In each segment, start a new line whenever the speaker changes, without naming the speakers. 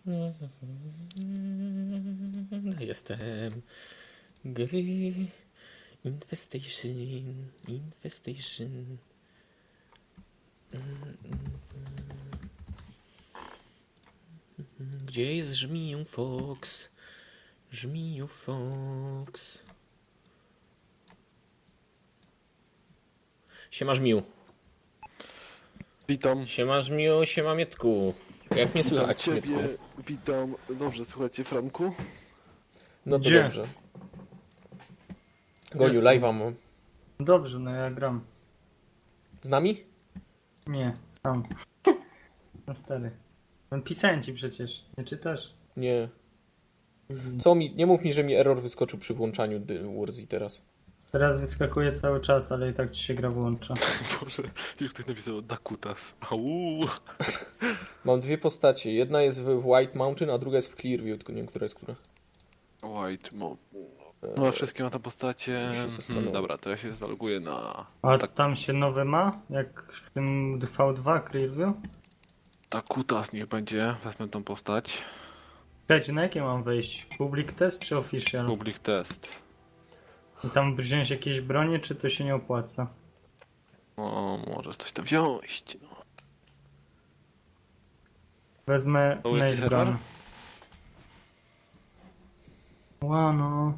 Jestem gry. Infestation. Gdzie jest Żmiju Fox? Żmiju Fox. Siema Żmiu.
Witam.
Siema Żmiu, siema Mietku. Jak mnie słychać,
Witam
Mietku?
ciebie, witam. Dobrze, słuchajcie, Franku?
No to
Gdzie?
dobrze. Goniu,
Jestem.
live'a mam.
Dobrze, no ja gram.
Z nami?
Nie, sam. No stary. No, pisałem ci przecież, nie czytasz?
Nie. Co mi? Nie mów mi, że mi error wyskoczył przy włączaniu Warzy teraz.
Teraz wyskakuje cały czas, ale i tak ci się gra włącza.
Boże, już ktoś napisał Dakutas. Au.
Mam dwie postacie. Jedna jest w White Mountain, a druga jest w Clearview, tylko nie wiem, która jest która.
White Mo. No, wszystkie ma tam postacie.
Muszę się zastanowić.
Dobra, to ja się zaloguję na
A tam się nowy ma? Jak w tym V2 Clearview?
Dakutas niech będzie. Wezmę tą postać.
Czekajcie, na jakie mam wejść? Public test czy official?
Public test.
I tam wziąć jakieś bronie, czy to się nie opłaca?
O, możesz coś tam wziąć. No.
Wezmę
To jaki
Nate
serwer?
Gun. Łano.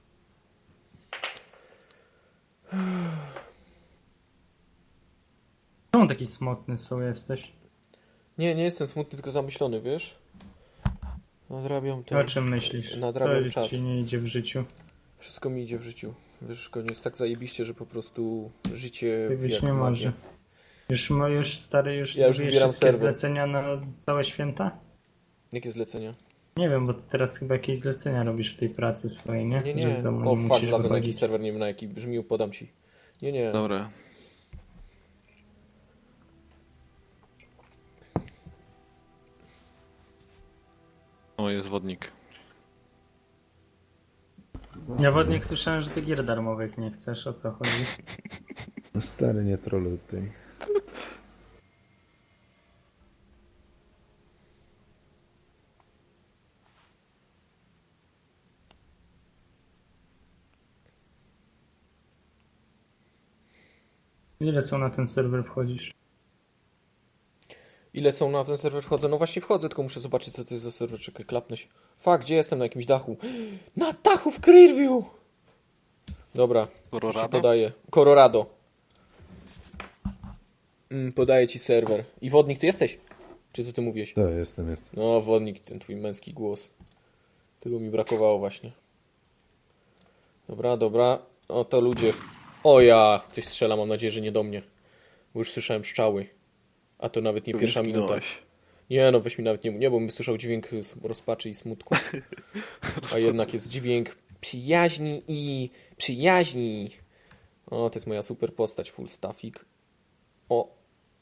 Czemu taki smutny są jesteś?
Nie, nie jestem smutny, tylko zamyślony, wiesz? Nadrabiam
O
ten...
czym myślisz?
Nadrabiam
To
czat.
ci nie idzie w życiu.
Wszystko mi idzie w życiu. Wiesz, koniec jest tak zajebiście, że po prostu życie
Tak być
jak
nie
magia.
może. Już stary,
Ja już
zrobiłeś
wybieram
wszystkie
serwer.
zlecenia na całe święta?
Jakie zlecenia?
Nie wiem, bo ty teraz chyba jakieś zlecenia robisz w tej pracy swojej, nie?
Nie,
Że
nie.
z domu
O
nie
fuck,
musisz
wlazłem na jakiś
wychodzić.
serwer, nie wiem na jaki. Brzmił, podam ci. Nie, nie.
Dobra. O, jest wodnik.
Ja wodnik słyszałem, że ty gier darmowych nie chcesz, o co chodzi?
No stary, nie troluj tutaj.
Ile są na ten serwer wchodzisz?
Ile są na ten serwer wchodzę? No właśnie wchodzę, tylko muszę zobaczyć, co to jest za serwer. Czekaj, klapnę się. Fuck, gdzie jestem? Na jakimś dachu. Na dachu w Clearview! Dobra, już ci
Colorado?
podaję. Colorado. Podaję ci serwer. I wodnik, ty jesteś? Czy to ty mówiłeś?
To jestem.
No, wodnik, ten twój męski głos. Tego mi brakowało właśnie. Dobra, dobra. O, to ludzie. O ja! Ktoś strzela, mam nadzieję, że nie do mnie. Bo już słyszałem pszczały. A to nawet nie pierwsza minuta.
Zginąłeś.
Nie no, weź mi nawet nie, bo bym słyszał dźwięk rozpaczy i smutku. A jednak jest dźwięk przyjaźni i przyjaźni. O, to jest moja super postać, full staffik. O.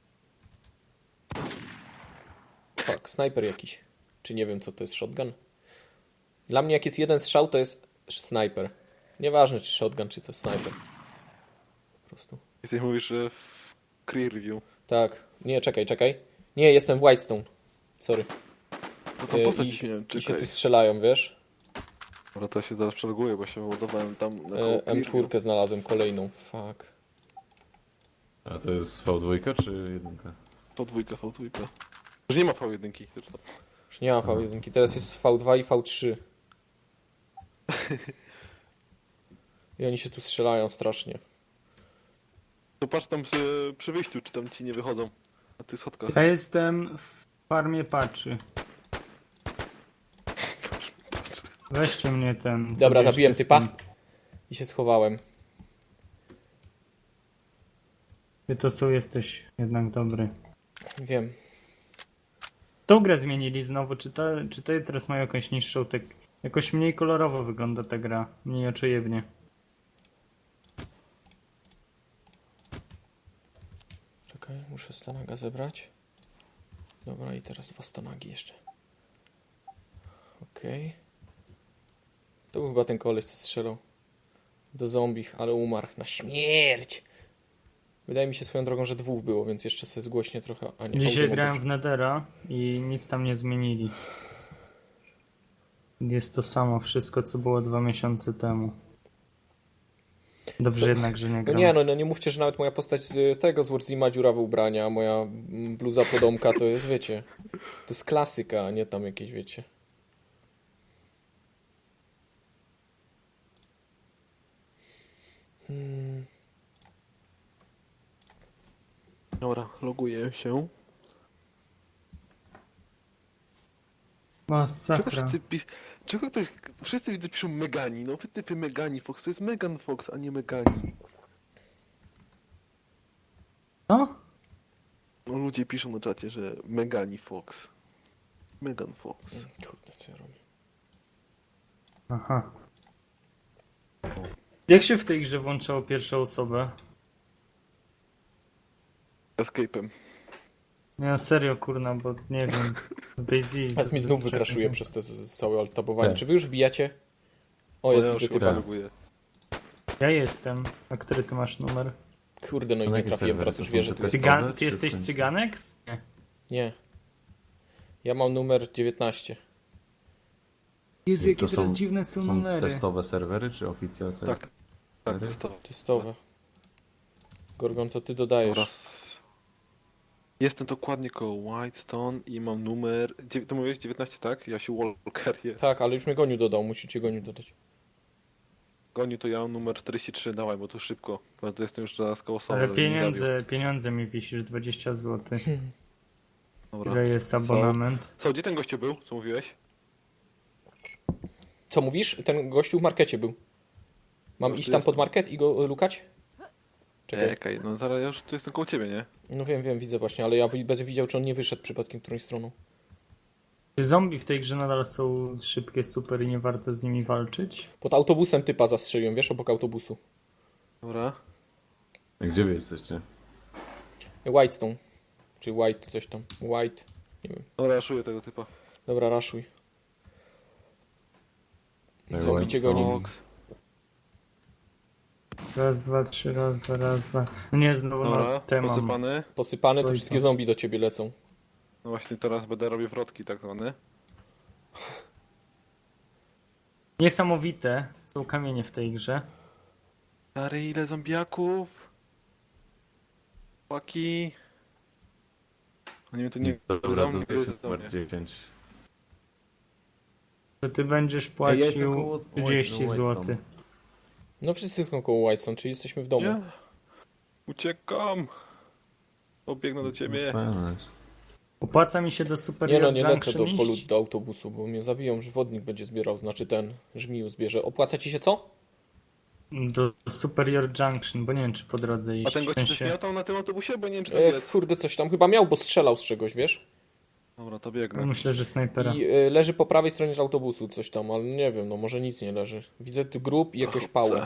Fuck, snajper jakiś. Czy nie wiem, co to jest, shotgun? Dla mnie jak jest jeden strzał, to jest snajper. Nieważne, czy shotgun, czy co, snajper. Po prostu.
I ty mówisz, że w Clearview.
Tak. Nie, czekaj. Nie, jestem w Whitestone. Sorry.
No to postać
I,
ci nie wiem,
I się
czekaj.
tu strzelają, wiesz?
Dobra, to ja się zaraz przeloguję, bo się ładowałem tam na koło Clearview.
M4 znalazłem kolejną. Fuck.
A to jest V2 czy 1?
V2, V2. Już nie ma V1 zresztą.
Już nie ma V1. Teraz jest V2 i V3. I oni się tu strzelają strasznie.
To patrz tam przy wyjściu, czy tam ci nie wychodzą na tych schodkach.
Ja jestem w farmie patrzy. Weźcie mnie ten.
Dobra,
zabierzcie
zabiłem typa.
stąd.
I się schowałem.
Ty to są jesteś jednak dobry.
Wiem.
Tą grę zmienili znowu, czy to teraz mają jakąś niższą jakoś mniej kolorowo wygląda ta gra, mniej oczojebnie.
Czekaj, muszę stanaga zebrać. Dobra, i teraz 2 stanagi jeszcze. Okej. To był chyba ten koleś, co strzelał. Do zombich, ale umarł. Na śmierć! Wydaje mi się swoją drogą, że 2 było, więc jeszcze sobie zgłośnie trochę. A nie,
Dzisiaj
audio mam
grałem
dobrze.
w Nethera i nic tam nie zmienili. Jest to samo wszystko, co było 2 miesiące temu. Dobrze
Co?
jednak, że nie
No
gram.
nie, no nie mówcie, że nawet moja postać z tego z Warzima dziurawe ubrania, a moja bluza podomka to jest, wiecie, to jest klasyka, a nie tam jakieś, wiecie.
Dobra, loguję się. Czego
Masakra.
wszyscy Czego ktoś... Wszyscy widzę piszą Megani, no wy typy Megani Fox, to jest Megan Fox, a nie Megani.
Co?
No ludzie piszą na czacie, że Megani Fox. Megan Fox.
Kurde, co ja robię?
Aha. Jak się w tej grze włączało pierwszą osobę?
Escape'em.
Nie, serio, kurna, bo nie wiem. Daisy.
Teraz mi znów wykraszuje przez te całe alt-tabowanie.
Tak.
Czy wy już wbijacie? O, jest,
Ja
widzę
już
typa.
chyba loguję.
Ja jestem. A który ty masz numer?
Kurde, no i
Na
nie
jakie
trafiłem,
serwery
teraz
to
już
są?
wierzę,
Te
tu jest.
testowe?
Ty
czy
jesteś
w końcu?
cyganek? Nie.
Nie. Ja mam numer 19.
Jezu,
To
jakie teraz
są-
dziwne są
Są
numery.
testowe serwery, czy oficjalne serwery?
Tak, tak, to jest to.
Testowe. Gorgon, to ty dodajesz.
Oraz... Jestem dokładnie koło Whitestone i mam numer... To mówiłeś 19, tak? Jasiu Walker jest.
Tak, ale już mnie Goniu dodał, musicie Goniu dodać.
Goniu to ja mam numer 43, dawaj, bo to szybko. Bo to jestem już zaraz koło Soul,
Ale
żeby mnie nie zabił.
pieniądze mi wisisz, 20 zł.
Dobra.
Ile jest abonament?
Co, gdzie ten gościu był? Co mówiłeś?
Co mówisz? Ten gościu w markecie był. Mam
No,
iść
tu
tam
jest-
pod market i go lukać? Czekaj.
Czekaj, no zaraz ja już tu jestem koło ciebie, nie?
No wiem, widzę właśnie, ale ja będę widział, czy on nie wyszedł przypadkiem którąś stroną.
Czy zombie w tej grze nadal są szybkie, super i nie warto z nimi walczyć?
Pod autobusem typa zastrzeliłem, wiesz, obok autobusu.
Dobra.
A gdzie wy jesteście?
Whitestone. Czy White, coś tam. White. Nie wiem.
Dobra, raszuję tego typa.
Dobra, raszuj.
No i
Zombie cię
Whitestone.
goni.
Fox.
Raz, dwa, trzy, raz, dwa, raz, dwa. No nie, znowu
Dobra,
na temat.
posypany.
Posypane, to
Oj,
wszystkie
tam.
zombie do ciebie lecą.
No właśnie teraz będę robił wrotki tak zwane.
Niesamowite są kamienie w tej grze.
Stary, ile zombiaków? Chłopaki. Oni mnie tu nie
Dobra,
gryzą,
to
nie
jest
gryzą
numer
mnie.
10.
To ty będziesz
Ja jestem
płacił
koło-
30
Whitestone.
zł.
No wszyscy są koło Whitestone, czyli jesteśmy w domu.
Nie. Uciekam. Obiegnę do ciebie.
Fajne.
Opłaca mi się do Super
Nie no, nie lecę
Junction iść?
do autobusu, bo mnie zabiją, że wodnik będzie zbierał, znaczy ten żmiju zbierze. Opłaca ci się co?
Do Superior Junction, bo nie wiem czy po drodze iść.
A ten gość
W
też
sensie-
miał tam na tym autobusie? Bo nie wiem czy tam jest.
Kurde, coś tam chyba miał, bo strzelał z czegoś, wiesz?
Dobra, to
No,
biegnę.
myślę, że snajpera.
I leży po prawej stronie z autobusu coś tam, ale nie wiem, no może nic nie leży. Widzę tu grób i jakąś pałę.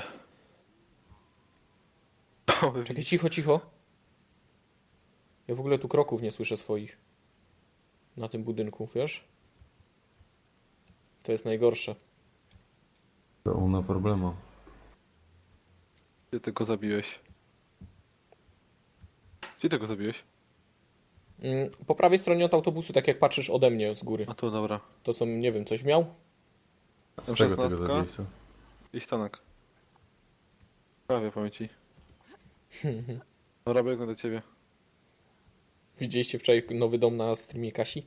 Czekaj, cicho, cicho. Ja w ogóle tu kroków nie słyszę swoich. Na tym budynku, wiesz? To jest najgorsze.
To una problemu.
Gdzie ty go zabiłeś? Gdzie ty go zabiłeś?
Po prawej stronie od autobusu, tak jak patrzysz ode mnie z góry.
A tu, dobra.
To są, nie wiem, coś miał?
Z
Tam
czego tego
16?
zabiłeś, co?
I stanek. Prawie pamięci. Dobra, biegnę do ciebie.
Widzieliście wczoraj nowy dom na streamie Kasi?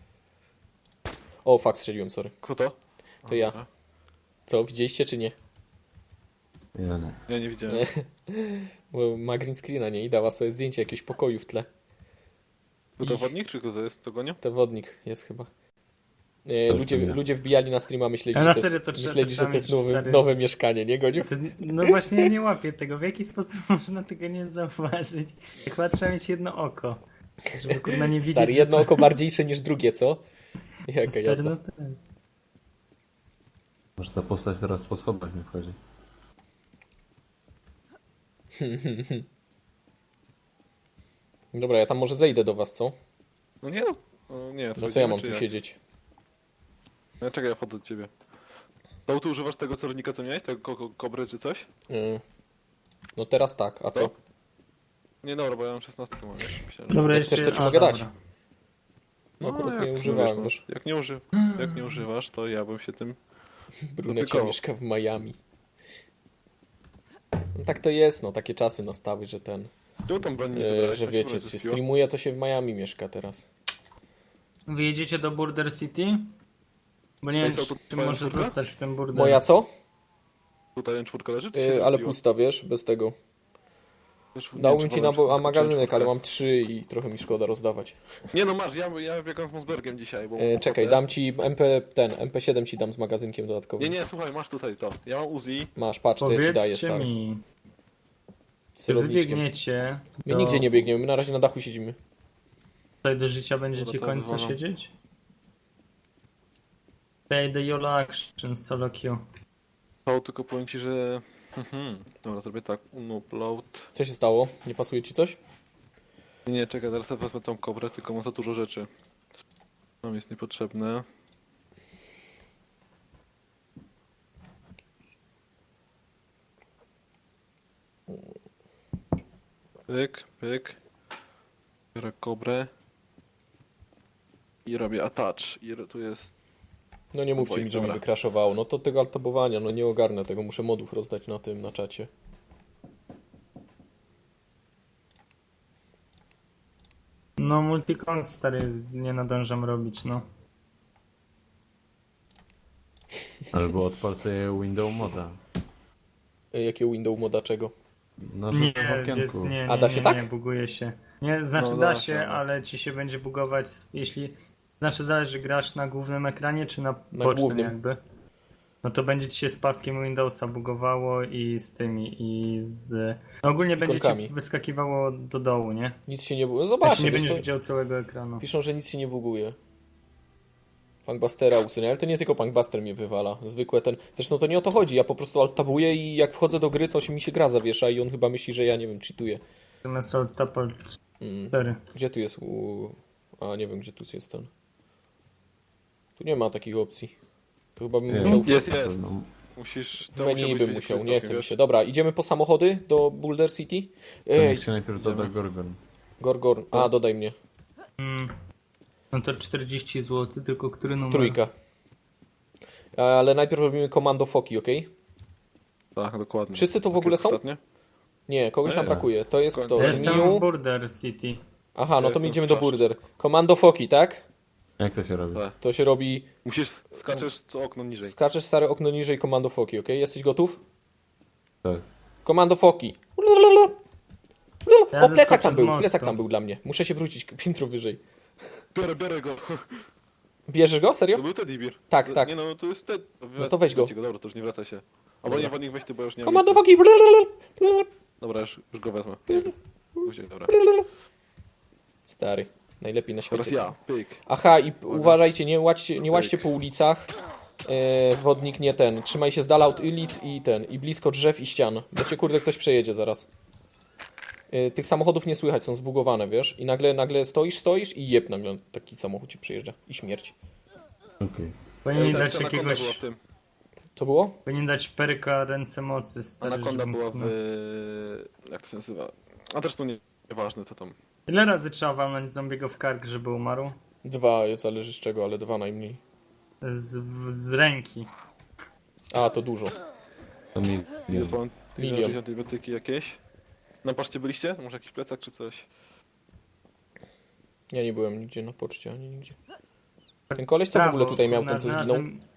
O, fuck, strzeliłem, sorry.
Kto to?
To ja.
Dobra.
Co, widzieliście czy nie?
Ja nie.
Ja nie widziałem.
Bo ma green screena, nie? I dała sobie zdjęcie jakiegoś pokoju w tle.
Kto to wodnik, czy kto to jest? To gonią?
To wodnik jest chyba.
To
Ludzie,
nie.
ludzie wbijali na streama, myśleli,
A
że
na
to
serio
jest,
to trzeba
myśleli, że to jest
czasami, stary.
nowe mieszkanie, nie Goniu?
No właśnie ja nie łapię tego. W jaki sposób można tego nie zauważyć? Chyba trzeba mieć jedno oko. Żeby kurna nie widzieć.
Stary,
że
jedno
to-
oko bardziejsze niż drugie, co? Jaka
Stary,
jazda.
no tak.
Może ta postać teraz po schodach nie wchodzi.
Dobra, ja tam może zejdę do was, co?
No nie no. O, nie,
No co ja mam tu siedzieć?
No czekaj, ja wchodzę do ciebie. To tu używasz tego celownika, co miałeś? Tego kobry czy coś?
No teraz tak, a co?
No. Nie, dobra, bo ja mam 16 mam. Myślałem, że...
Dobra,
Jak chcesz,
jeszcze...
to ci mogę dać.
dobra.
No, akurat nie
jak
używałem,
wiesz,
wiesz.
Jak nie używasz, to ja bym się tym...
Brunecia
Dotykało.
mieszka w Miami. No tak to jest, no takie czasy nastały, że ten,
Czemu tam broni nie zabrałeś?
że
Tak
wiecie,
się
się
zespiło?
streamuje, to się w Miami mieszka teraz.
Wy jedziecie do Border City? Bo nie
Ej,
wiem,
co, to
czy
twoja
może
czwórka?
zostać w tym Border.
Moja co?
Tutaj czwórka leży, czy się
Ale
zespiło?
pusta, wiesz, bez tego.
Wiesz, nie
Dałbym
wiem,
ci
czy
na
wolno, czy
magazynek,
czwórkę.
ale mam 3 i trochę mi szkoda rozdawać.
Nie no masz, ja biegam z Mosbergiem dzisiaj, bo...
Czekaj, dam ci MP7 ci dam z magazynkiem dodatkowym.
Nie, słuchaj, masz tutaj to. Ja mam Uzi.
Masz, patrz, co ja ci daję,
Powiedzcie
stary.
mi,
Z
czy wy
celowniczkiem.
biegniecie
My
do...
nigdzie nie biegniemy, my na razie na dachu siedzimy.
Tutaj do życia będziecie
Dobra, to
końca
wywalam.
siedzieć? Play the YOLO Action solo queue.
To tylko powiem ci, że... Dobra, zrobię tak, unupload.
Co się stało? Nie pasuje ci coś?
Nie, czekaj, teraz ja wezmę tą kobrę, tylko mam za dużo rzeczy. Nam jest niepotrzebne. Pyk, pyk. Biorę kobrę. I robię attach. I tu jest...
No nie mówcie
Oboj,
mi, że mi
dobra.
wykraszowało. No to tego altabowania, no nie ogarnę tego, muszę modów rozdać na tym, na czacie.
No multicon stary nie nadążam robić, no.
Albo odpal sobie window moda.
Jakie window moda czego?
Na
Nie,
żółtym okienku.
jest, nie,
A da się tak?
nie, buguje się. Nie, znaczy
No,
da
da
się,
się, no.
ale ci się będzie bugować, jeśli... Znaczy zależy, grasz na głównym ekranie, czy na
Na
bocznym
głównym.
jakby. No to będzie ci się z paskiem Windowsa bugowało i z tymi, i z... No ogólnie będzie
Ikonkami.
ci wyskakiwało do dołu, nie?
Nic się nie buguje.
Znaczy
Zobaczcie,
nie
wiesz
będziesz
co?
widział całego ekranu.
Piszą, że nic się nie buguje. Punkbustera usunie, ale to nie tylko Punkbuster mnie wywala. Zwykłe ten... Zresztą to nie o to chodzi, ja po prostu alt-tabuję i jak wchodzę do gry, to mi się gra zawiesza i on chyba myśli, że ja, nie wiem, cheatuję.
Assault Tapal
Mm.
4.
Gdzie tu jest A, nie wiem, gdzie tu jest ten. Tu nie ma takich opcji. To chyba bym
Nie,
musiał...
Jest.
No,
Musisz...
W menu bym musiał, nie chce mi
wiesz?
się. Dobra, idziemy po samochody do Boulder City.
to
Ej,
niech się najpierw doda Gorgon.
Gorgor. A, dodaj mnie.
No to 40 zł, tylko który numer?
Trójka. Ale najpierw robimy komando foki, ok?
Tak, dokładnie.
Wszyscy to w
Tak
ogóle
jak
są?
ostatnio?
Nie, kogoś nam
Nie.
brakuje. To jest kto?
Ja jestem
Żmiu?
w Border City.
Aha, no
Ja
to
jestem
my idziemy
w
do
Czaszce.
Boulder. Komando foki, tak?
Jak to się robi?
Tak.
To się robi...
Musisz... Skaczesz co okno niżej.
Skaczesz stare okno niżej komando foki, ok? Jesteś gotów?
Tak.
Komando foki.
Ja
O, plecak
zeskoczę
tam
z
był,
mostu.
plecak tam był dla mnie. Muszę się wrócić piętro wyżej.
Biorę go.
Bierzesz go? Serio?
To był Teddy Bear.
Tak, tak.
Nie no, to jest Ted.
No to weź go.
Dobra, to już nie wraca się. Albo
Dobra.
nie, niech weź ty, bo już nie mam
Komando
miejsca.
foki.
Dobra, już go wezmę. Później, dobra.
Stary, najlepiej na świecie.
Teraz ja, pyk.
Aha, i uważajcie, nie łaźcie po ulicach. Wodnik nie ten. Trzymaj się z dala od ulic i blisko drzew i ścian. Bo cię kurde ktoś przejedzie zaraz. Tych samochodów nie słychać, są zbugowane, wiesz? I nagle stoisz i jeb nagle taki samochód ci przejeżdża. I śmierć.
Okej.
Powinien
Ta
dać
anakonda
jakiegoś...
była w tym.
Co było?
Powinien dać perka ręce mocy, stary.
Anakonda
żeby
była
mógł-
w... Jak to się nazywa? A zresztą nieważne to tam.
Ile razy trzeba walnąć zombiego w kark, żeby umarł?
2, zależy z czego, ale 2 najmniej.
Z ręki.
A, to dużo.
To mi...
Ile pan?
Milion.
Jakieś antybiotyki jakieś? Na poczcie byliście? Może jakiś plecak czy coś?
Ja nie byłem nigdzie na poczcie, ani nigdzie. Ten koleś co w ogóle tutaj miał, ten co zginął?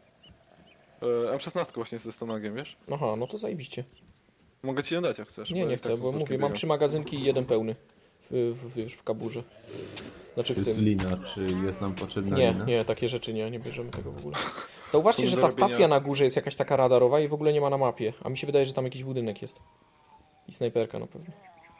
M16 właśnie ze stomagiem, wiesz?
Aha, no to zajebiście.
Mogę ci ją dać jak chcesz.
Nie,
bo
nie
i tak
chcę,
są
bo
troszkę
mówię, mam
biegam.
3 magazynki i jeden pełny. Wiesz, w kaburze. Znaczy w
Jest
tym.
lina, czy jest nam potrzebna
Nie,
lina?
nie, takie rzeczy nie bierzemy tego w ogóle. Zauważcie,
Są
że
do
ta
robienia-
stacja na górze jest jakaś taka radarowa i w ogóle nie ma na mapie. A mi się wydaje, że tam jakiś budynek jest. I snajperka na pewno.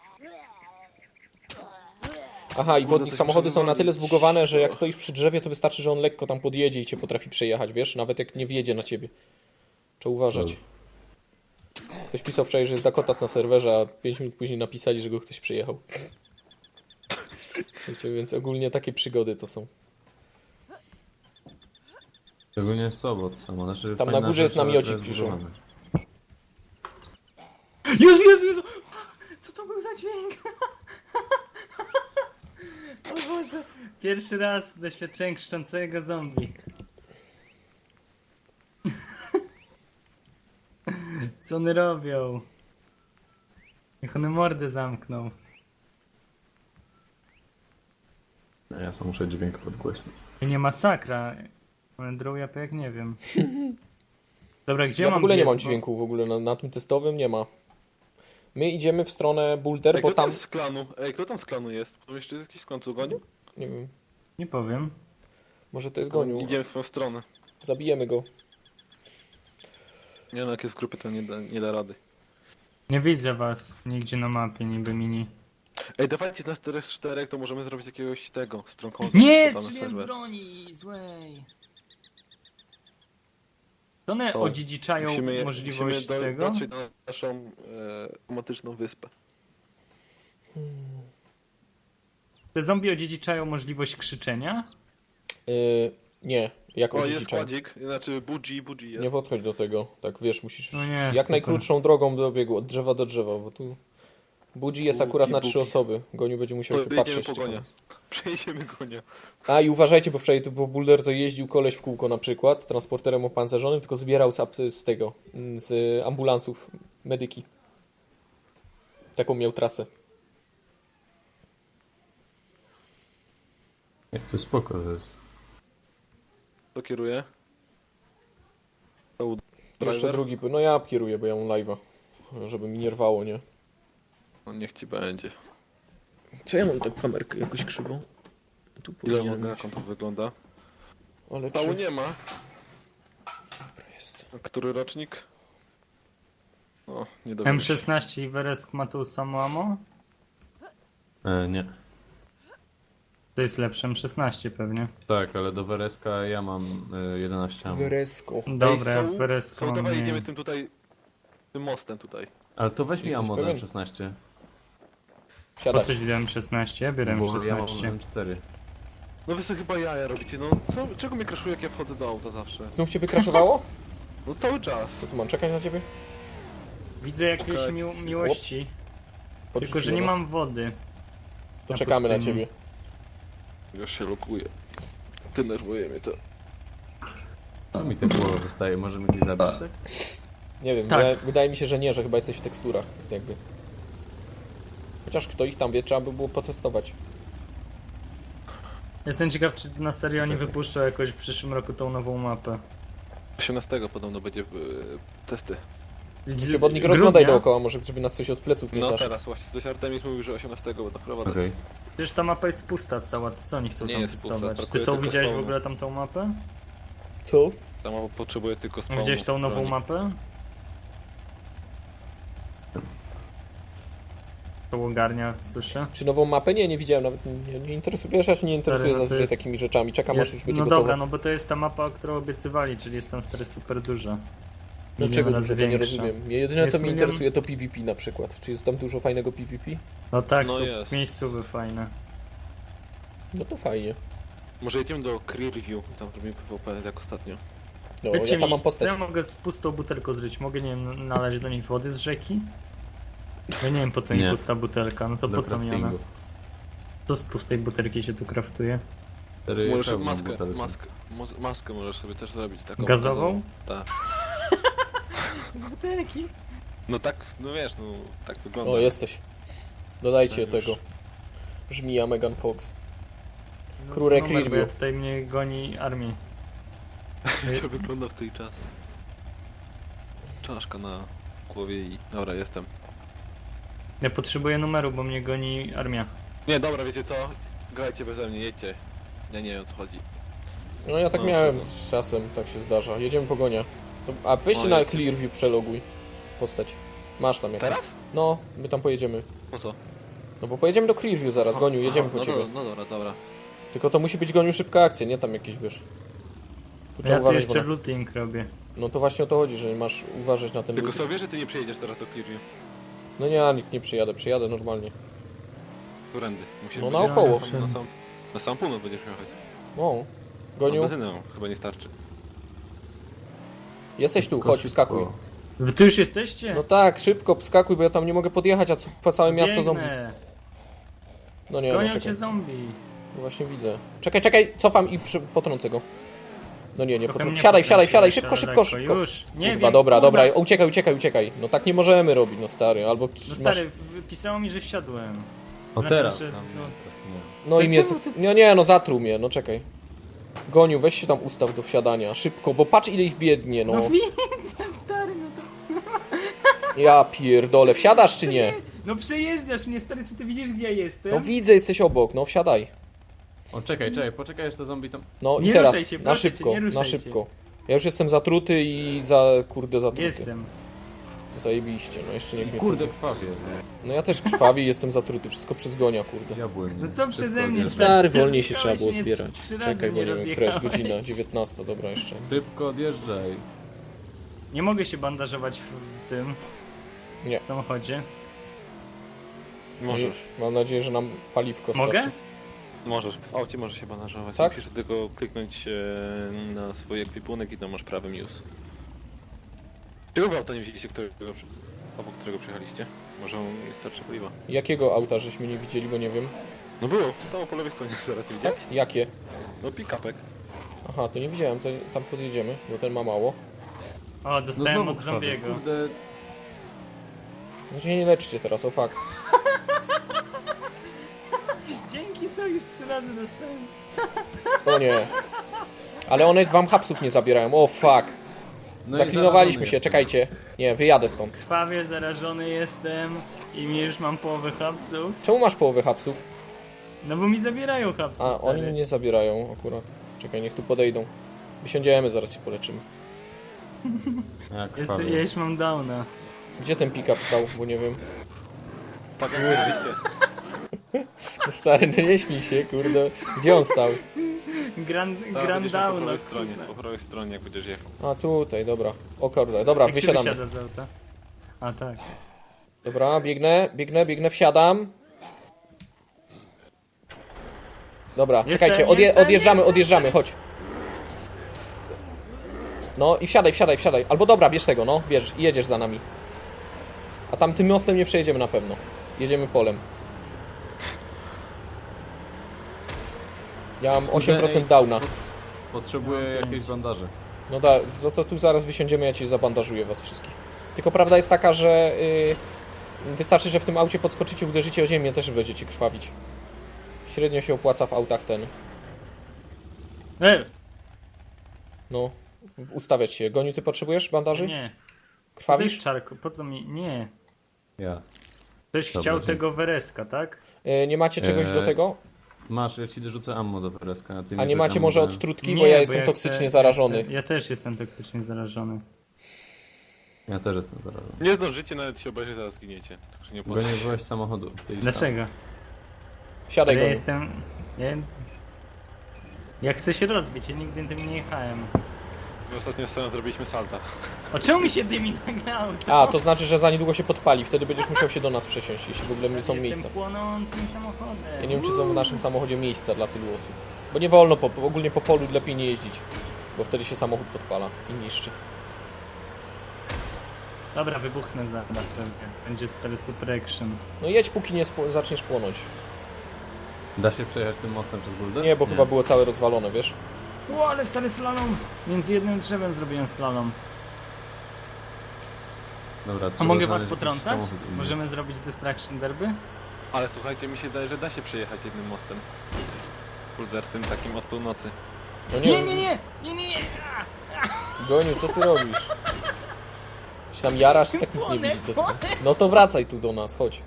Aha, i wodnik,
coś
samochody są na tyle
przewalić.
zbugowane, że jak stoisz przy drzewie, to wystarczy, że on lekko tam podjedzie i cię potrafi przejechać, wiesz? Nawet jak nie wjedzie na ciebie. Trzeba uważać. Ktoś pisał wczoraj, że jest Dakotas na serwerze, a 5 minut później napisali, że go ktoś przejechał. Wiecie, więc ogólnie takie przygody to są.
Szczególnie słabo to samo. Znaczy,
Tam na
fajna
górze jest
rzecz, ale
namiocik,
to jest
piszą.
zbudowane.
Jezu! Co to był za dźwięk? Boże, pierwszy raz doświadczyłem krzyczącego zombie. Co one robią? Niech one mordę zamkną.
No, ja sam muszę dźwięk podgłośnić.
I nie masakra. One drą japę jak nie wiem. Dobra, gdzie
Ja w
mam
ogóle nie
biec,
mam
bo-
dźwięku w ogóle, na tym testowym nie ma. My idziemy w stronę Boulder,
Ej,
bo
kto tam
tam...
z klanu? Ej, kto tam z klanu jest? Tam jeszcze jest jakiś klan, co gonił?
Nie wiem,
Nie powiem.
może to jest Goniu.
Idziemy w tą stronę.
Zabijemy go.
Nie no, jak jest grupy, to nie da rady.
Nie widzę was nigdzie na mapie, niby mini.
Ej, dawajcie nas teraz 4, to możemy zrobić jakiegoś tego, strongholda.
Nie,
podamy
strzeliłem z
serwer.
broni złej. To one
To
odziedziczają
Musimy
możliwość tego?
dotrzeć na naszą romantyczną wyspę.
Te zombie odziedziczają możliwość krzyczenia?
Nie, jak
O, jest
odziedziczeń.
kładzik, znaczy Budzi jest.
Nie podchodź do tego, tak wiesz, musisz
No nie,
jak
super.
najkrótszą drogą do biegu, od drzewa do drzewa, bo tu Budzi jest
Bugi,
akurat na
bugi.
3 osoby. Goniu będzie musiał
To
się
wyjedziemy
patrzeć.
po
ciekawe.
gonia. Przejdziemy gonia.
A i uważajcie, bo wczoraj tu po Boulder to jeździł koleś w kółko na przykład, transporterem opancerzonym, tylko zbierał z tego, z ambulansów medyki. Taką miał trasę.
Jak to spoko to jest.
To kieruje. To
Jeszcze
driver?
drugi, no ja kieruję, bo ja mam live'a, żeby mi nie rwało, nie?
No niech ci będzie.
Co ja mam tak kamerkę jakoś krzywą? Tu
Ile
powinienem
mogę,
mieć.
jak on to wygląda?
Ale
Pału
czy...
nie ma.
jest.
A który rocznik? O, nie dowiem się.
M16 i Weresk ma tu samo ammo?
Nie.
To jest lepsze M16 pewnie.
Tak, ale do Wereska ja mam 11 ammo.
Weresko.
Dobra, ja
Ej,
Weresk
są,
mam
dawaj
mniej.
jedziemy tym tutaj, tym mostem tutaj.
Ale to weź mi
Jesteś
ammo do
pewien?
M16.
Po
Siadać.
coś wziąłem 16? Ja biorę
Bo ja mam
M16.
M4.
No wy sobie chyba jaja robicie, no co, czego mnie kraszuje jak ja wchodzę do auta zawsze?
Znów cię wykraszowało?
No cały czas.
To co, mam czekać na ciebie?
Widzę jakieś
Czekać.
miłości. Tylko, że
Podrzuciło
nie
nas.
mam wody.
To
na
czekamy na
pustyni.
ciebie.
Już się lokuję. Denerwuje mnie to.
Co mi te głowy wystaje? Możemy gdzieś zabić, tak?
Nie wiem,
Tak.
wydaje mi się, że nie, że chyba jesteś w teksturach, jakby. Chociaż kto ich tam wie, trzeba by było potestować.
Jestem ciekaw, czy na serio nie wypuszczą jakoś w przyszłym roku tą nową mapę.
18 podobno będzie testy.
Przewodnik,
Grudnia?
rozglądaj dookoła, może żeby nas coś od pleców nie
No
zaszło.
teraz właśnie, coś Artemis mówił, że 18 będą wprowadzać.
Okej.
Przecież ta mapa jest pusta cała, to co oni chcą
Nie
tam
jest pusta,
testować? Ty
brakuje
są
tylko
widziałeś w
spawnu.
ogóle tam tą mapę?
Co?
Tam potrzebuje tylko spawnu.
Widziałeś tą nową
broni.
mapę? To ogarnia, słyszę.
Czy nową mapę? Nie, nie widziałem nawet, nie interesuje, wiesz, ja się nie interesuję
Stary, no to
zazwyczaj
jest-
takimi rzeczami, czekam aż już
Jest,
będzie
no
gotowa.
dobra, no bo to jest ta mapa, którą obiecywali, czyli jest tam stary super duża.
Dlaczego
Milion razy
dużo, to nie
większa.
rozumiem. Mnie jedyne
Jest
co mnie
milion-
interesuje to PvP na przykład. Czy jest tam dużo fajnego PvP?
No tak,
No
są
jest.
miejscowe fajne.
No to fajnie.
Może jedziemy do Clearview, tam robimy PvP jak ostatnio.
No,
Powiedzcie
ja tam
mi,
mam
co
postać.
ja mogę z pustą butelką zrobić? Mogę, nie wiem, nalać do niej wody z rzeki? Ja nie wiem po co mi
Nie.
pusta butelka, no to
Do
po co mi ona?
craftingu.
Co z pustej butelki się tu kraftuje?
Cztery
Możesz
pełne
maskę,
butelki.
maskę możesz sobie też zrobić taką.
Gazową?
Tak.
Z butelki?
No tak, no wiesz, no tak wygląda.
O, jesteś. Dodajcie
Tak już.
tego. Żmija Megan Fox. Krurek
Numer, bo ja
Review.
tutaj mnie goni armii.
Jak wygląda w tej czas. Czaszka na głowie i... Dobra, jestem.
Ja potrzebuję numeru, bo mnie goni armia.
Nie, dobra, wiecie co? Grajcie beze mnie, jedźcie. Ja nie wiem o co chodzi.
No ja tak
No,
miałem
dobra.
z czasem, tak się zdarza. Jedziemy po gonia. A weźcie
O,
na
jakie-
Clearview, przeloguj postać. Masz tam jakąś.
Teraz?
No, my tam pojedziemy.
Po co?
No bo pojedziemy do Clearview zaraz, Goniu, jedziemy po
no,
ciebie.
no dobra, dobra.
Tylko to musi być, Goniu, szybka akcja, nie tam jakieś, wiesz. Tu trzeba
Ja tu
uważać, bo
jeszcze
na...
looting robię.
No to właśnie o to chodzi, że masz uważać na ten
Tylko
lód.
sobie, że ty nie przyjedziesz teraz do Clearview.
No nie, ja nikt nie przyjadę normalnie.
Którędy? Musisz
No
być-
naokoło.
Na sam północ będziesz jechać.
No.
A
Goniu,
benzynę chyba nie starczy.
jesteś tu,
Szybko,
chodź,
szybko.
wskakuj.
Wy tu już jesteście?
No tak, szybko, wskakuj, bo ja tam nie mogę podjechać, a po całe miasto
Biegnę.
zombie. No nie, no
Gonią cię
czekaj.
zombie.
No właśnie widzę. Czekaj, cofam i potrącę go. No nie,
Trochę mnie
wsiadaj,
potrąciłeś,
szybko,
ale
szybko,
lekko.
szybko.
Już, nie
Kurwa,
wiem,
dobra,
kurwa.
uciekaj. No tak nie możemy robić, no stary, albo
No
masz...
stary, pisało mi, że wsiadłem.
O
Znaczy,
teraz.
że-
Tam,
no.
nie.
No i mnie...
Dlaczego ty-
Nie, no zatruł mnie, no czekaj. Goniu, weź się tam ustaw do wsiadania, szybko, bo patrz ile ich biednie,
No
no.
widzę, stary, no to...
Ja pierdolę, wsiadasz czy nie?
No przejeżdżasz mnie, stary, czy ty widzisz, gdzie ja jestem?
No widzę, jesteś obok, no wsiadaj.
O, czekaj, poczekaj, aż to zombie tam...
No
Nie
i teraz,
ruszaj się,
na
proszę cię,
szybko,
nie ruszaj
na
się.
szybko. Ja już jestem zatruty i zatruty.
Jestem.
Zajebiście, no jeszcze niech mnie...
Kurde, krwawie.
No ja też krwawi i jestem zatruty, wszystko przez Gonia, kurde.
Ja byłem.
No co przeze mnie,
Stary,
Ty
wolniej się
zjechałeś
trzeba było
mnie
zbierać.
trzy razy
Czekaj, bo
mnie
nie wiem, która jest
rozjechałeś.
godzina, 19, dobra jeszcze.
Szybko odjeżdżaj.
Nie mogę się bandażować w tym
Nie.
samochodzie.
Możesz.
Mam nadzieję, że nam paliwko
Mogę?
starczy.
Możesz. W aucie możesz się bandażować.
Tak?
Musisz tylko kliknąć na swój ekwipunek i to masz prawy news. Czego auta nie widzieliście, obok którego przyjechaliście? Może on nie starczy paliwa.
Jakiego auta żeśmy nie widzieli, bo nie wiem.
No było, stało po lewej stronie, zaraz nie widziałeś?
Jakie?
No pick-upek.
Aha, to nie widziałem, to tam podjedziemy, bo ten ma mało.
O,
No
dostałem
znowu
od
krwawie.
zombiego.
Kurde,
Znaczy nie leczcie teraz, o fuck.
Dzięki, są już 3 razy dostałem.
O nie. Ale one wam hapsów nie zabierają, o fuck.
no i
Zaklinowaliśmy
zarażony
się,
jestem.
czekajcie. Nie, wyjadę stąd.
Krwawie zarażony jestem i mi już mam połowę hapsów.
Czemu masz połowę hapsów?
No bo mi zabierają hapsy,
A,
stary.
oni mi nie zabierają akurat. Czekaj, niech tu podejdą. Wysiądziemy, zaraz się poleczymy.
Ja
Ja
krwawie.
już mam downa.
Gdzie ten pick-up stał, bo nie wiem.
Tak jak mówiliście.
No stary, no nie śmij się, kurde. Gdzie on stał?
Grand
Tak, będziesz miał po
downa,
prawej stronie,
kurde.
po prawej stronie jak będziesz jechał.
A, tutaj, dobra. O kurde, dobra,
Jak się
wysiadamy.
wysiada z auta? A tak.
Dobra, biegnę, wsiadam. Dobra,
Jestem,
czekajcie, odjeżdżamy, chodź. No i wsiadaj. Albo dobra, bierz tego, no, bierz i jedziesz za nami. A tam tym mostem nie przejedziemy na pewno. Jedziemy polem. Ja mam 8% downa.
Potrzebuję
No,
jakieś bandaże.
No da, to tu zaraz wysiądziemy, ja ci zabandażuję was wszystkich. Tylko prawda jest taka, że wystarczy, że w tym aucie podskoczycie, uderzycie o ziemię, też będziecie krwawić. Średnio się opłaca w autach ten. No, ustawiać się. Goniu, ty potrzebujesz bandaży?
Nie.
Krwawisz?
Też czarko, po co mi... Nie.
Ja.
Ktoś
Dobra,
chciał
dzięki.
tego wereska, tak?
Nie macie czegoś do tego?
Masz, ja ci dorzucę ammo do pereska.
A nie macie może odtrutki, bo
Nie,
ja jestem
chcę-
toksycznie zarażony.
Ja też jestem toksycznie zarażony.
Ja też jestem zarażony.
Nie zdążycie, nawet się obejrzeć, zaraz zginiecie. Także nie
Bo
opłaca
nie
się.
byłeś samochodu.
Dlaczego?
Wsiadaj,
Ale ja
Goniu.
jestem... Ja chcę się rozbić, ja nigdy tym nie jechałem.
My ostatnio scenę zrobiliśmy salta.
O czemu mi się dymi nagle auto?
A, to znaczy, że za niedługo się podpali, wtedy będziesz musiał się do nas przesiąść, jeśli w ogóle nie są
Jestem
miejsca.
płonącym samochodem.
Ja nie wiem, czy są w naszym samochodzie miejsca dla tylu osób. Bo nie wolno, ogólnie po polu lepiej nie jeździć. Bo wtedy się samochód podpala i niszczy.
Dobra, wybuchnę zaraz pewnie. Będzie stary super action.
No jedź, póki nie zaczniesz płonąć.
Da się przejechać tym mostem przez buldę?
Nie, bo chyba było całe rozwalone, wiesz?
O, ale stary slalom! Między jednym drzewem zrobiłem slalom.
Dobra,
A
trzeba
mogę was
znaleźć jakiś
potrącać?
samochód inny.
Możemy zrobić Destruction Derby?
Ale słuchajcie, mi się daje, że da się przejechać jednym mostem. Kulder, tym takim od północy.
No
Nie!
Goniu, co ty robisz? Czy tam jarasz? Tak nikt nie widzi, co ty tam. No to wracaj tu do nas, chodź.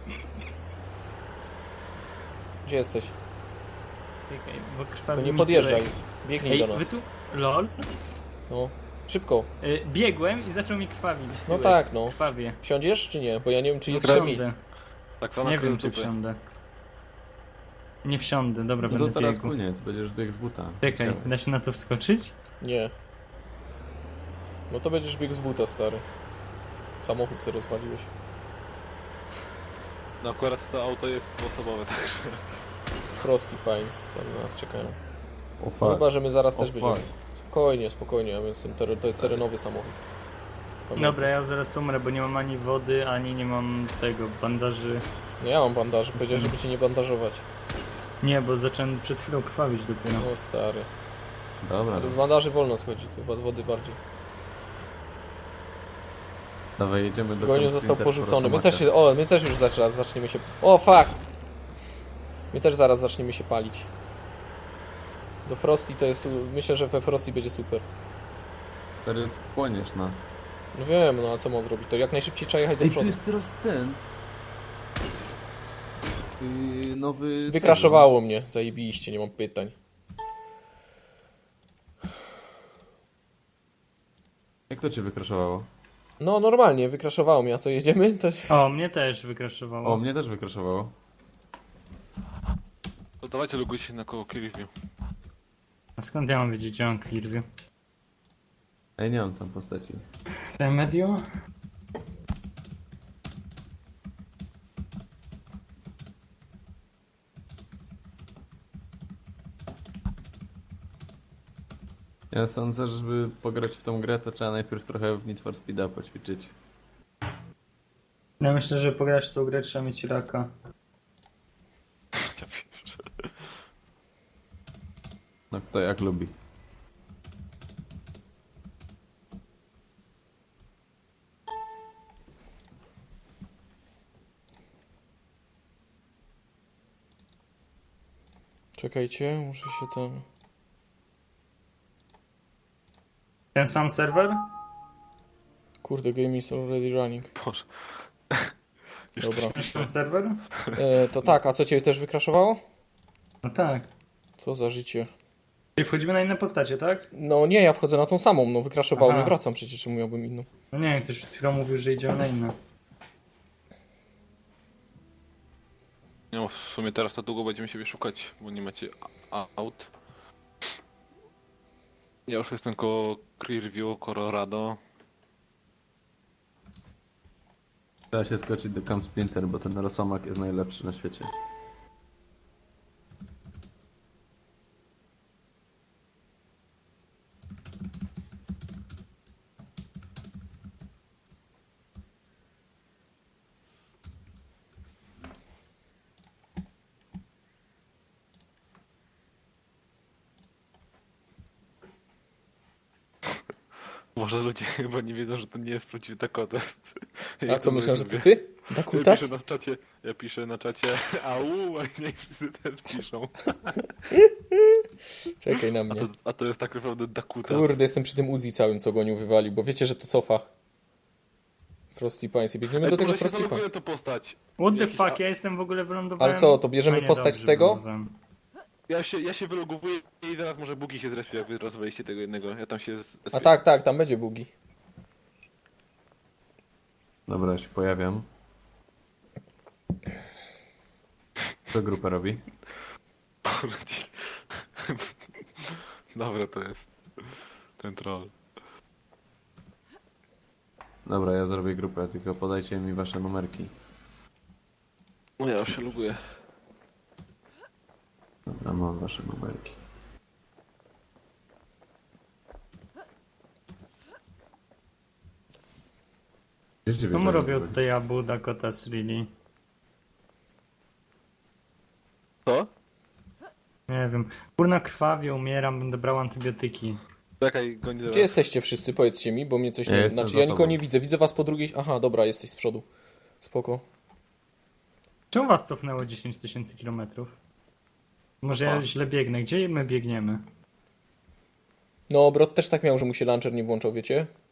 Gdzie jesteś?
Czekaj, bo
To
krwawi
nie
mi
podjeżdżaj.
tyłek.
Biegnij
Ej,
do
wy
nas.
tu... LOL?
No, szybko.
Biegłem i zaczął mi krwawić
No
tyłek.
tak, no.
Krwawie.
Wsiądziesz czy nie? Bo ja nie wiem, czy jest
Wsiądę.
miejsce.
Tak zwana
Nie wiem,
kres
czy
dupy.
wsiądę. Nie wsiądę, dobra,
No to
będę
teraz
biegł.
koniec, będziesz biegł z buta.
Czekaj,
Chciałem.
da się na to wskoczyć?
Nie. No to będziesz biegł z buta, stary. Samochód sobie rozwaliłeś.
No akurat to auto jest dwuosobowe, także...
Frosty Pines tam na nas czekają.
O,
No
fuck.
chyba, że my zaraz też
O,
będziemy.
fuck.
Spokojnie, ja jestem to jest terenowy samochód. Pamiętaj.
Dobra, ja zaraz umrę, bo nie mam ani wody, ani nie mam tego, bandaży.
No ja mam bandaż, powiedział, żeby cię nie bandażować.
Nie, bo zacząłem przed chwilą krwawić dopiero.
O stary.
Dobra,
Ale w bandaży wolno schodzi, to chyba z wody bardziej.
dawaj, jedziemy do
Goniu
Camp
został
Splinter
porzucony. My
Rosomaka.
też się, o, my też już zaczniemy się... O, fuck! My też zaraz zaczniemy się palić. Do Frosty to jest... Myślę, że we Frosty będzie super.
Teraz wchłoniesz nas.
No wiem, no a co mam zrobić? To jak najszybciej trzeba jechać do
Ej, tu
przodu.
jest teraz ten... nowy...
Wykraszowało mnie, zajebiście, nie mam pytań.
Jak to cię wykraszowało?
No normalnie, wykraszowało mnie, a co jedziemy? To jest...
O, mnie też wykraszowało.
O, mnie też wykraszowało.
To dawajcie logujcie się na koło Clearview.
A skąd ja mam wiedzieć, gdzie mam Clearview?
Ej, nie mam tam postaci.
Te medio?
Ja sądzę, że żeby pograć w tą grę, to trzeba najpierw trochę w Need for Speeda poćwiczyć.
Ja myślę, że pograć w tą grę trzeba mieć raka.
Ja pierwszy.
No kto jak lubi.
Czekajcie, muszę się tam...
Ten sam serwer?
Kurde, game is already running.
Boże.
Dobra.
Ten sam serwer?
To tak, a co cię też wykraszowało?
No tak.
Co za życie.
Czyli wchodzimy na inne postacie, tak?
No nie, ja wchodzę na tą samą, no wykraszowało
Aha.
mnie, wracam przecież, czemu miałbym inną.
No nie wiem, ktoś przed chwilą mówił, że idziemy na inne.
No w sumie teraz to długo będziemy siebie szukać, bo nie macie aut. Ja już jestem koło Clearview, Colorado.
Trzeba się skoczyć do Camp Splinter, bo ten Rosomak jest najlepszy na świecie.
Może ludzie chyba nie wiedzą, że to nie jest prawdziwy Dakota.
A co, myślę, że to ty?
Ja
Dakutas?
piszę ja piszę na czacie au, a nie wszyscy też piszą.
Czekaj na mnie.
A to jest tak naprawdę Dakutas.
Kurde, jestem przy tym Uzi całym, co Goniu wywalił, bo wiecie, że to cofa. Frosty Pines i biegniemy
Ej,
do tego
może się
Frosty
zaloguję
Pines.
to postać.
What the
Jakiś
fuck, ja jestem w ogóle wylądowałem...
Ale co, to bierzemy
A nie,
postać
dobrze,
z tego?
wylądowałem.
Ja się wylogowuję i zaraz może bugi się zrespią, jak wy rozwaliście tego jednego. Ja tam się
A tak, tam będzie bugi.
Dobra, ja się pojawiam. Co grupa robi?
Dobra, to jest ten troll.
Dobra, ja zrobię grupę, tylko podajcie mi wasze numerki.
No ja już się loguję.
Dobra, mam wasze numerki. Gdzie ciebie
Co mu
tak
robią
robi?
tutaj Abu Dakota Really?
Co?
Nie wiem. Kurna krwawie, umieram, będę brał antybiotyki.
Czekaj, goni
Gdzie jesteście wszyscy? Powiedzcie mi, bo mnie coś
Ja
nie...
jestem
Znaczy,
za
ja nikogo
tobą.
nie widzę. Widzę was po drugiej... Aha, dobra, jesteś z przodu. Spoko.
Czemu was cofnęło 10 000 kilometrów? Może ja
O.
źle biegnę. Gdzie my biegniemy?
No, Brod też tak miał, że mu się launcher nie włączał, wiecie?